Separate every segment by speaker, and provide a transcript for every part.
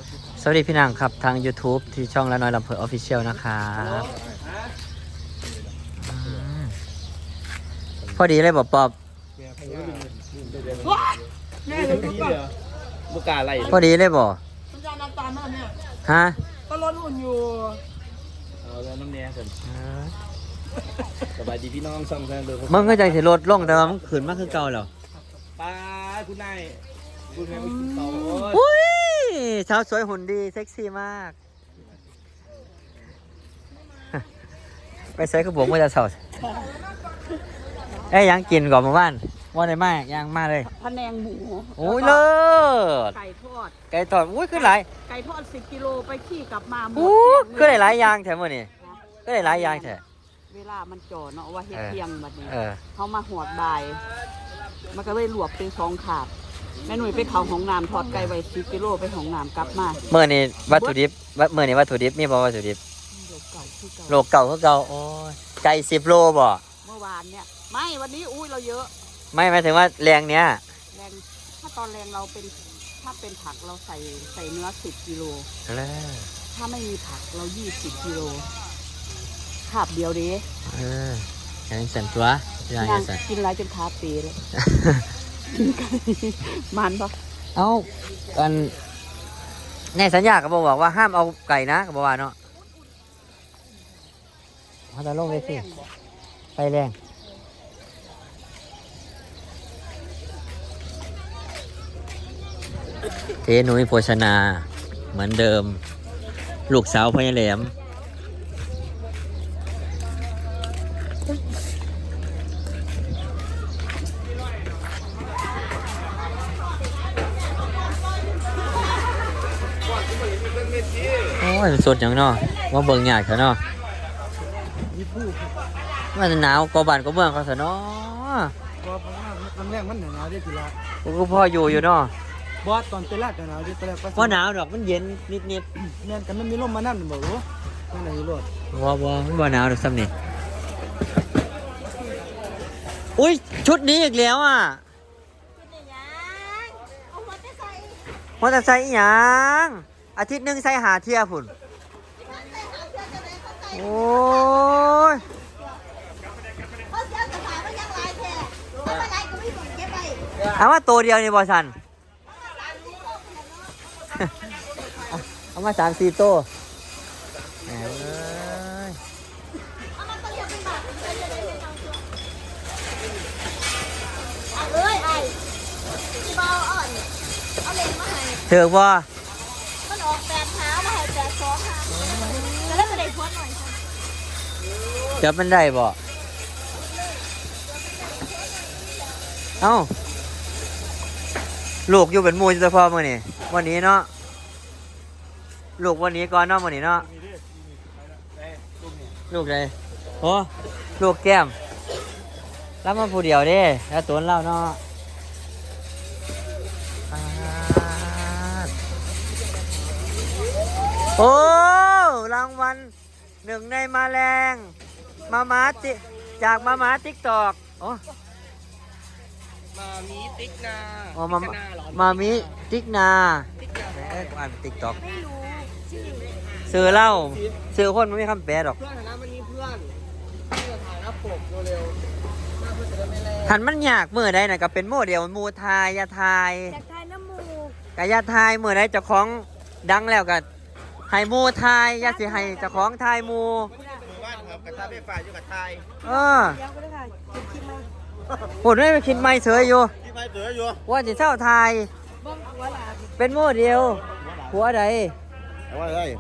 Speaker 1: สวัสดีพี่นางครับทาง YouTube ที่ช่องละน้อยลำเพอออฟฟิเชียลนะครับพอดีเลยบอกปอบ
Speaker 2: แม่เลยก็บุกาอะไร
Speaker 1: พอดีเลยบอก
Speaker 3: มันจะน้ำตาลมากเนี่ย
Speaker 1: ฮะ
Speaker 3: ก็ลดหุ่นอยู่
Speaker 2: เอาแล้วน้ำแน่กันสบายดีพี่น้องช่องแฟนดู
Speaker 1: มึงก็ใจสิลดลงแต่ว่ามึงขืนมากคือเก่าแล้ว
Speaker 2: ป้าคุณนายคุณแม่คุณโต
Speaker 1: อุ้ยสาวสวยหุ่นดีเซ็กซี่มาก ไปใส่กระบอกว่าจะสาวเอ้ยยังกินก่อนมาบ้านว่าได้มากยังมาเลย
Speaker 3: พะแนงหมู
Speaker 1: โอ้ยเลิศ
Speaker 3: ไก่ทอด
Speaker 1: ไก่ทอดอุ้ยขึ้นหลาย
Speaker 3: ไก่ทอด10 กิโลไปขี้กลับมาหมด
Speaker 1: อู้ก็ได้หลายอย่างแถมมื้อนี้ก็ได้หลายอย่างแถม
Speaker 3: เวลามันจ่อเนาะว่าเฮ็ดเที่ยงบัดนี้
Speaker 1: เออ
Speaker 3: เขามาหอดบ่าย มันก็เลยหลวกเป็น2 ขาดแม่หนุ่ยไปเขาห้องน้ำทอดไก่ไว้10 กิโลไปห้องน้ำกลับมา
Speaker 1: เมื่อนี้วัตถุดิบเมื่อนี้วัตถุดิบมีบ่วัตถุดิบ
Speaker 3: โลกเก่าคือเก่า
Speaker 1: โลเก่าคือเก่าโอ้ยไก่10 โลบ่
Speaker 3: เมื่อวานเนี่ยไม่วันนี้อุ้ยเราเยอะ
Speaker 1: ไม่หมายถึงว่าแรงเนี้ย
Speaker 3: แรงถ้าตอนแรงเราเป็นถ้าเป็นผักเราใส่เนื้อ10 กิโล ถ้าไม่มีผักเรา20 กิโลขาบเดียวเด้
Speaker 1: เออยังสั่นตัวยัง
Speaker 3: นาง
Speaker 1: สั่น
Speaker 3: กินไรจนขาเปีเลยกินไก่มันปะ
Speaker 1: เอ้ากันในสัญญาก็บอกว่าห้ามเอาไก่นะก็บอกว่าเนาะเขาจะลงเลยสิไฟแรงเทหนุยโภชนาเหมือนเดิม ลูกสาวพญาแหลมโอ้ยสดอย่างเนาะว่าเบิ่งยากเถอะเนาะมันหนาวกว่าบ้านกว่าเมืองเขาเถอะเนาะ
Speaker 4: ก็น้ำแรงมันหนาวได้ทีละ
Speaker 1: กูก็พ่ออยู่เนาะ
Speaker 4: บอสตอนไปลาดหนาวได้ตอนแรก
Speaker 1: ว่าหนาวดอกมันเย็นนิด
Speaker 4: แม่นกันมันมีลมมานั่นบอกรู้นั่นไหนรถ
Speaker 1: ๆว่ามันว่าหนาวดอกซ้ำนี่อุ้ยชุดนี้อีกแล้วอ่ะมอเตอร์ไซค์อีหยังอาทิตย์หนึงใส่หาเที่ยพุ่นโอ้ยเอามาตัวเดียวนี่บอสัน เอามา3-4ตัวแหมเอ้ยเถือกบ่
Speaker 5: มันออก8 เท้ามาให้8 2 ค่ะแล้วก็ได้พวดหน่อยค่ะ
Speaker 1: จับมันได้บ่เอ้าลูกอยู่เป็นหมูจะพอมื้อนี่วันนี้เนาะลูกวันนี้ก่อนเนาะมื้อนี้เนาะลูกเลยโอ้ลูกแก้มรับมาผู้เดียวเด้แล้วตัวเล่าเนาะโอ้รางวัล1 ในมาแรงมาติจากมาติ๊กตอกโอ้
Speaker 2: มามีติ๊กนา
Speaker 1: อ๋อมามิติ๊กนาแหมอ่านติ๊กตอกซื้อเหล้าซื้อคนไม่มีคำแปลดอก
Speaker 4: เพื่อนนะมันมีเพื่อนที่จะถ่ายหน้าปกเร็วๆหน้าเพื่อนจะได้ไม่แรง
Speaker 1: หันมันยากมือใดน่ะก็เป็นโมเดลมูทายยาทาย
Speaker 5: จากทายน้ำมูก
Speaker 1: กะยาทายมือใดเจ้าของดังแล้วก็ให้มูทายยาสิให้เจ้าของทายมู
Speaker 2: บ้านครับกระทะไฟฟ้าอยู่กับไทย
Speaker 1: เออ
Speaker 5: เดี๋ยวก็ได้ค่ะจะคิดมา
Speaker 1: ผมไม่ไปคิดไม่เฉยอยู่
Speaker 2: ที่ไฟเสืออยู่
Speaker 1: ว่าจะเช่าทาย
Speaker 5: บ้องหัวหลาบ
Speaker 1: เป็นโมเดลหัวใด
Speaker 2: เอาไว้เลย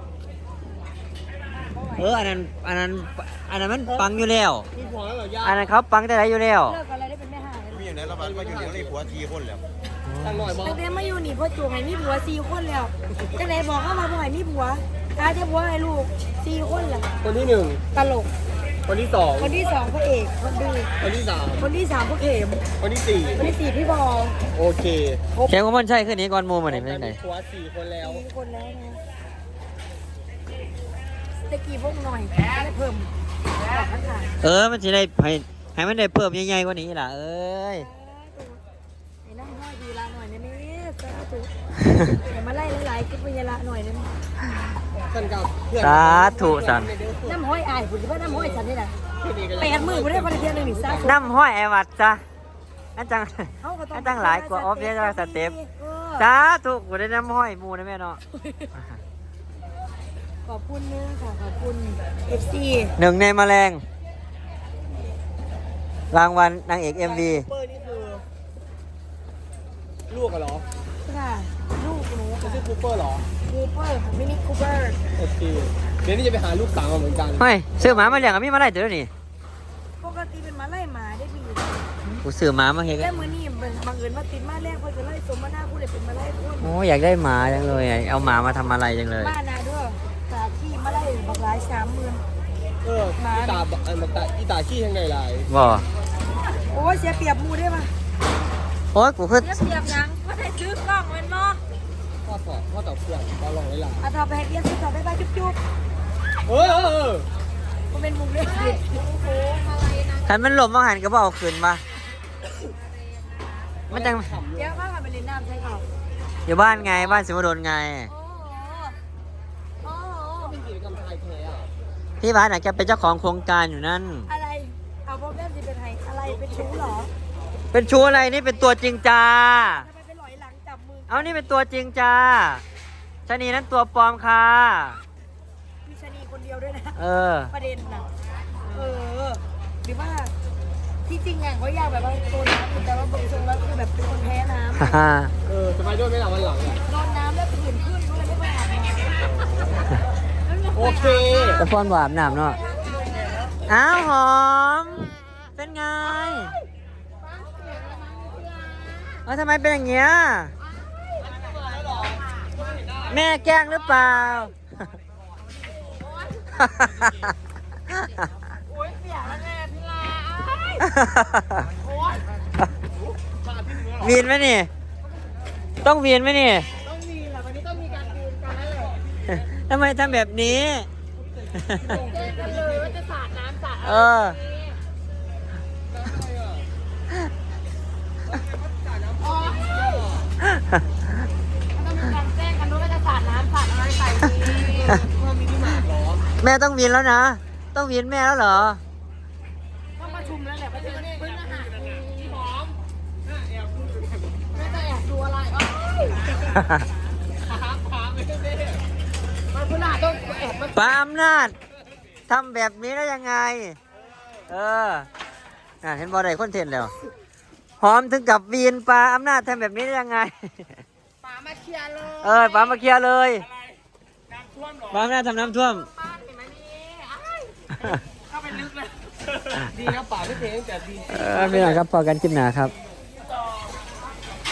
Speaker 1: อันนั้นมันปังอยู่แล้ว
Speaker 4: มีผัวแล้วเหรอย่า
Speaker 1: อันนั้นเขาปังแต่ไหนอยู่แล้ว
Speaker 5: เลิกกันอะไรได้เป็นแม่ห่า
Speaker 2: มีอยู่ไหนระบาดมาอยู่ในผัวทีคนแล้ว
Speaker 4: ตั้งหน่อยบอ
Speaker 5: ตั้งแต่มาอยู่นี่พ่อจูงให้มีผัว4 คนแล้วจังไหนบอกเข้ามาบ่ให้มีผัวตาจะผัวให้ลูก4 คนล่ะ
Speaker 4: คนที่
Speaker 5: ตลก
Speaker 4: 1คนที่
Speaker 5: คนที่2พระเอกคนดี
Speaker 4: 2คนที่
Speaker 5: คนที่3พระเข็ม
Speaker 4: 3คนที่
Speaker 5: คนที่4พี่บอล
Speaker 4: 4โอเค
Speaker 1: แค่ว่ามันใช่ขึ้นนี้ก่อนโมมันนี่เป็นไง
Speaker 4: ผัว4คนแล้ว
Speaker 5: 4 คนแล้วนะตะกี้พวกหน่อยได้เพิ่มบอกข้าง
Speaker 1: มันจะได้ให้มันได้เพิ่มใหญ่ๆกว่านี้ล่ะเอ้ย
Speaker 5: ไอ้นั่งห้อยดีลาหน่อยนะนี่สาธุอย่ามาไล่หลายๆคิดวิญญาณหน่อยนึง
Speaker 4: กันกับเพื่อน
Speaker 1: สาธุสัน
Speaker 5: น้ำห้อยอายผมคิดว่าน้ำห้อยฉันนี่แหละ8 มื้อผมได้คนเดียวนึงนี่ซะ
Speaker 1: น้ำห้อยไอวัดจ้ะอันจังอันจังหลายกว่าออฟเดสสเต็ปสาธุกูได้น้ำห้อยหมูนะแม่เนาะ
Speaker 5: ขอบคุณนึงค่ะขอบคุณ FC
Speaker 1: หนึ่งในแมลงรางวัลนางเอก MV
Speaker 4: เปอร์นี่คือลูกเหรอ
Speaker 5: ค่ะลูกหนู
Speaker 4: จะ
Speaker 5: ค่ะ
Speaker 4: ชื่อคูเปอร์เหรอ
Speaker 5: คูเปอร์ค่ะมินิคูเปอร์
Speaker 4: โอเคเดี๋ยวนี้จะไปหาลูกสาวมาเหมือนกัน
Speaker 1: เฮ้ยซื้อหมามาเลี้ยงกับพี่มาได้เดี๋ยวนี้
Speaker 5: ปกติเป็นมาไล่หมาได้ปี
Speaker 1: กูซื้อหมามาเฮ็ด
Speaker 5: แต่มื้อนี้บังเอิญว่าติดมาแรกเพิ่นก็ไล่สมมาหน้าผู้ใดเป็นมาไล่คน
Speaker 1: โอ้อยากได้หมาจังเลยเอาหมามาทำอะไรจังเลย
Speaker 5: บ้านนาด้วยตาขี้มาไล่บักหลาย30,000
Speaker 4: เอออีตาอีตาขี้ยังไงล่ะ
Speaker 1: บ่
Speaker 5: โอ้ยเสียเปรียบหมู่ได้ป่ะ
Speaker 1: โอ้ยกูคือ
Speaker 5: เสียเปรียบหยังบ่ได้ซื้อกล้องแม่นบ่
Speaker 4: พ่อต่อเพื่อนเราลองไว้ล่ะ
Speaker 5: เอาต่อไปให้เรียนสิต่อบ๊ายบายจุ๊บ
Speaker 4: เออ
Speaker 5: ๆบ่เป็นมุกเล่น
Speaker 1: คันมันหลบมาหันก็บ่เอาคืนมามันจัง
Speaker 5: เดี๋ยวพากันไปเล่นน้ำใช่เขา
Speaker 1: อยู่บ้านไงบ้านสิวดลไง
Speaker 5: โอ้โห
Speaker 4: เป็นกิจกรรมชายแท้อะ
Speaker 1: พี่บ้านน่ะแกเป็นเจ้าของโครงการอยู่นั่น
Speaker 5: อะไรเอาพ่อแม่สิเป็นไห้อะไรเป็นชู้เหรอ
Speaker 1: เป็นชู้อะไรนี่เป็นตัวจริงจ้า
Speaker 5: ทำไมเป็นหลอยหลังจับมือ
Speaker 1: เอานี่เป็นตัวจริงจ้าชะนีนั้นตัวปลอมค่ะ
Speaker 5: มีชะนีคนเดียวด้วยนะ
Speaker 1: เออ
Speaker 5: ประเด็นน่ะหรือว่าที่จริงอ่ะเขาอยากแบบว่าโดนน้ำแต่ว่าบางทรงแล้วคือแบบเป็นคนแพ้น้ำ
Speaker 1: ฮ่า
Speaker 4: จะไปด้วยไหมล่ะวันหลังอะ
Speaker 5: โดนน้ำแล้วผื่นขึ้นก็เลยไม่ไปอาบน้ำ
Speaker 4: โอเค
Speaker 1: จะป้อนหวานหนามเนาะอ้าวหอม เป็นไงทำไมเป็นอย่างเงี้ย แม่แกล้งหรือเปล่า
Speaker 5: โอ๊ยเสียแล้วแม่พี่ลา
Speaker 1: วีนไหมนี่ ต้องวีนไหมนี่
Speaker 5: ต้องมีแหละวันนี้ต้องมีการคืนกันแล้วแหละ
Speaker 1: ทำไมทำแบบนี้
Speaker 5: แจ้งกันเลยว่าจะสาดน้ำสาด
Speaker 1: เออ
Speaker 5: ต้องมีการแจ้งกันด้วยว่าจะสาดน้ำสาดอะไรใส่ดี
Speaker 1: แม่ต้องวีนแล้วนะ ต้องวีนแม่แล้วเหรอ
Speaker 5: ต้องประชุมแล้วแหละว่าจะเพิ่งอาหารหอมแม่จะแอบดูอะไรมันคุณอาต้องแอบมา
Speaker 1: ป้าอำนาจทำแบบนี้ได้ยังไง เออเห็นบอได้คอนเทนต์แล้ว หอมถึงกับวีนปลาอำนาจทำแบบนี้ได้ยังไง
Speaker 5: ป๋ามาเคลียร์เลย
Speaker 1: ปลามาเคลียร์เลยปลาอำนาจทำน้ำท่วม
Speaker 5: ป้าเห็นไหมนี่
Speaker 4: เข้าไปลึกเลย ดีครับป่าไม่เพลงแต่ดี
Speaker 1: ไม่หน่อยครับพอกันคลิปหนาครับ